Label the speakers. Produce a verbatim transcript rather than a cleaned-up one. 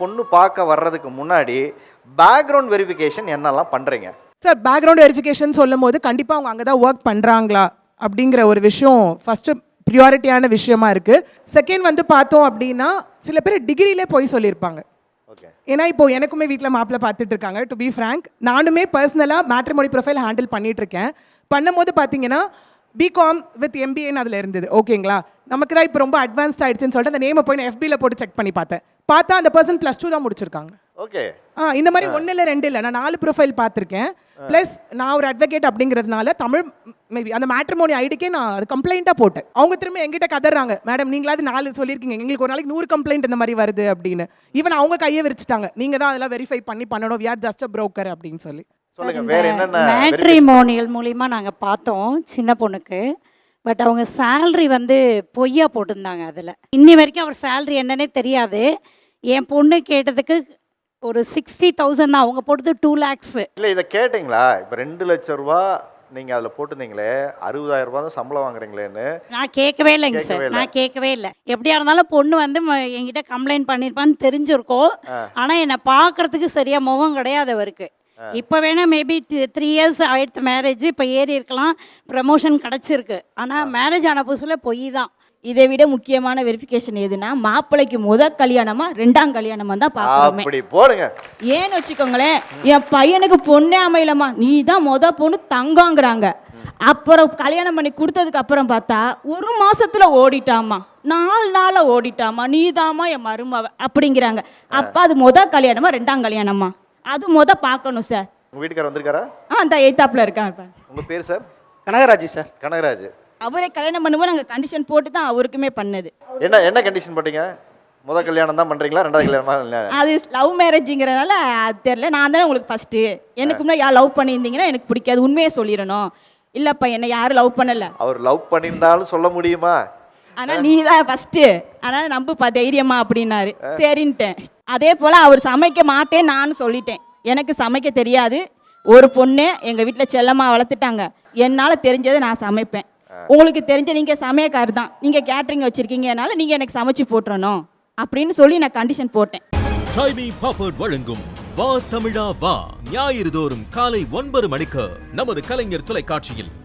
Speaker 1: பொண்ணு பார்க்க வர்றதுக்கு முன்னாடி பேக்ரவுண்ட் வெரிஃபிகேஷன் என்னெல்லாம் பண்ணுறீங்க?
Speaker 2: சார் பேக்ரவுண்ட் வெரிஃபிகேஷன் சொல்லும் போது கண்டிப்பாக அவங்க அங்கே தான் ஒர்க் பண்ணுறாங்களா அப்படிங்கிற ஒரு விஷயம் ஃபஸ்ட்டு ப்ரியாரிட்டியான விஷயமா இருக்குது. செகண்ட் வந்து பார்த்தோம் அப்படின்னா சில பேர் டிகிரியிலே போய் சொல்லியிருப்பாங்க. ஏன்னா இப்போ எனக்குமே வீட்டில் மாப்பிள்ளை பார்த்துட்டு இருக்காங்க. டு பி ஃப்ரேங்க், நானுமே பர்சனலாக மேட்ரிமோனி ப்ரொஃபைல் ஹேண்டில் பண்ணிட்டு இருக்கேன். பண்ணும்போது பார்த்தீங்கன்னா பிகாம் வித் எம்பிஏன்னு அதில் இருந்தது. ஓகேங்களா, நமக்கு தான் இப்போ ரொம்ப அட்வான்ஸ்ட் ஆயிடுச்சுன்னு சொல்லிட்டு அந்த நேமை போய் நான் எஃபியில் போட்டு செக் பண்ணி பார்த்தேன். பார்த்தா அந்த பர்சன் ப்ளஸ் டூ தான் முடிச்சிருக்காங்க.
Speaker 1: ஓகே.
Speaker 2: ஆ இந்த மாதிரி ஒன்று இல்லை ரெண்டு இல்லை, நான் நாலு ப்ரொஃபைல் பார்த்துருக்கேன். ப்ளஸ் நான் ஒரு அட்வொகேட் அப்படிங்கிறதுனால தமிழ் மேபி அந்த மேட்ரிமோனி ஐடிக்கே நான் அது கம்ப்ளைண்ட்டாக போட்டேன். அவங்க திரும்ப எங்கிட்ட கதறாங்க, மேடம் நீங்களாவது நாலு சொல்லியிருக்கீங்க, எங்களுக்கு ஒரு நாளைக்கு நூறு கம்ப்ளைண்ட் இந்த மாதிரி வருது அப்படின்னு. ஈவன் அவங்க கையை விரிச்சிட்டாங்க, நீங்கள் தான் அதெல்லாம் வெரிஃபை பண்ணி பண்ணணும், we are just a broker அப்படின்னு சொல்லி.
Speaker 1: சொல்லுங்க வேற என்னென்ன
Speaker 3: மேட்ரிமோனியல் மூலிமா நாங்கள் பார்த்தோம் சின்ன பொண்ணுக்கு. பட் அவங்க சேல்ரி வந்து பொய்யா போட்டிருந்தாங்க. அதில் இன்னி வரைக்கும் அவர் சேல்ரி என்னன்னே தெரியாது. என் பொண்ணு கேட்டதுக்கு ஒரு சிக்ஸ்டி தௌசண்ட் தான், அவங்க போட்டது டூ லேக்ஸு.
Speaker 1: இல்லை இதை கேட்டிங்களா? இப்போ ரெண்டு லட்சம் ரூபா நீங்கள் அதில் போட்டிருந்தீங்களே, அறுபதாயிரம் ரூபா தான் சம்பளம் வாங்குறீங்களேன்னு
Speaker 3: நான் கேட்கவே இல்லைங்க சார், நான் கேட்கவே இல்லை. எப்படியா இருந்தாலும் பொண்ணு வந்து என்கிட்ட கம்ப்ளைண்ட் பண்ணியிருப்பான்னு தெரிஞ்சிருக்கோம். ஆனால் என்னை பார்க்குறதுக்கு சரியாக முகம் கிடையாது அவருக்கு. இப்போ வேணால் மேபி த்ரீ இயர்ஸ் ஆயிடுத்து மேரேஜ், இப்போ ஏறி இருக்கலாம், ப்ரமோஷன் கிடச்சிருக்கு. ஆனால் மேரேஜ் ஆன புதுசில் பொய் தான்.
Speaker 4: இதை விட முக்கியமான வெரிஃபிகேஷன் எதுனா மாப்பிள்ளைக்கு முத கல்யாணமா ரெண்டாம் கல்யாணமா தான் பார்க்கணுமே.
Speaker 1: அப்படி போடுங்க.
Speaker 4: ஏன்னு வச்சுக்கோங்களேன், என் பையனுக்கு பொண்ணே அமையலம்மா, நீ தான் முத பொண்ணு தங்கங்கிறாங்க. அப்புறம் கல்யாணம் பண்ணி கொடுத்ததுக்கு அப்புறம் பார்த்தா ஒரு மாசத்துல ஓடிட்டாமா, நாலு நாள ஓடிட்டாமா, நீ தாமா என் மருமவ அப்படிங்கிறாங்க. அப்ப அது முத கல்யாணமா ரெண்டாம் கல்யாணமா, அது முத பார்க்கணும் சார்.
Speaker 1: உங்க வீட்டுக்காரர் வந்திருக்காரா? ஆ
Speaker 4: அந்த எய்தாப்ல இருக்காங்க.
Speaker 1: உங்க பேர் சார்?
Speaker 5: கனகராஜ் சார்.
Speaker 1: கனகராஜ்.
Speaker 4: அவரே கல்யாணம் பண்ணும்போது நாங்கள் கண்டிஷன் போட்டு தான் அவருக்குமே பண்ணது.
Speaker 1: என்ன என்ன கண்டிஷன் போட்டீங்க? முதல் கல்யாணம் தான் பண்ணுறீங்களா, ரெண்டாவது கல்யாணமா?
Speaker 4: அது லவ் மேரேஜுங்கிறனால அது தெரியல. நான் தானே உங்களுக்கு ஃபஸ்ட்டு, எனக்கு முன்னாடி யார் லவ் பண்ணியிருந்தீங்கன்னா எனக்கு பிடிக்காது, உண்மையே சொல்லிடணும். இல்லைப்பா என்னை யாரும் லவ் பண்ணலை.
Speaker 1: அவர் லவ் பண்ணியிருந்தாலும் சொல்ல முடியுமா?
Speaker 4: ஆனால் நீ தான் ஃபஸ்ட்டு, அதனால் நம்புப்பா தைரியமா அப்படின்னாரு. சரின்ட்டேன். அதே போல் அவர் சமைக்க மாட்டேன் நானும் சொல்லிட்டேன். எனக்கு சமைக்க தெரியாது. ஒரு பொண்ணு எங்கள் வீட்டில் செல்லமாக வளர்த்துட்டாங்க. என்னால் தெரிஞ்சதை நான் சமைப்பேன். உங்களுக்கு தெரிஞ்ச நீங்கள் சமையக்கார் தான், நீங்கள் கேட்ரிங் வச்சுருக்கீங்கனால நீங்கள் எனக்கு சமைச்சு போட்டுறணும் அப்படின்னு சொல்லி நான் கண்டிஷன் போட்டேன்.
Speaker 6: டைமி பாப்பர்ட் வழங்கும் வா தமிழா வா ஞாயிறு தோறும் காலை ஒன்பது மணிக்கு நமது கலைஞர் தொலைக்காட்சியில்.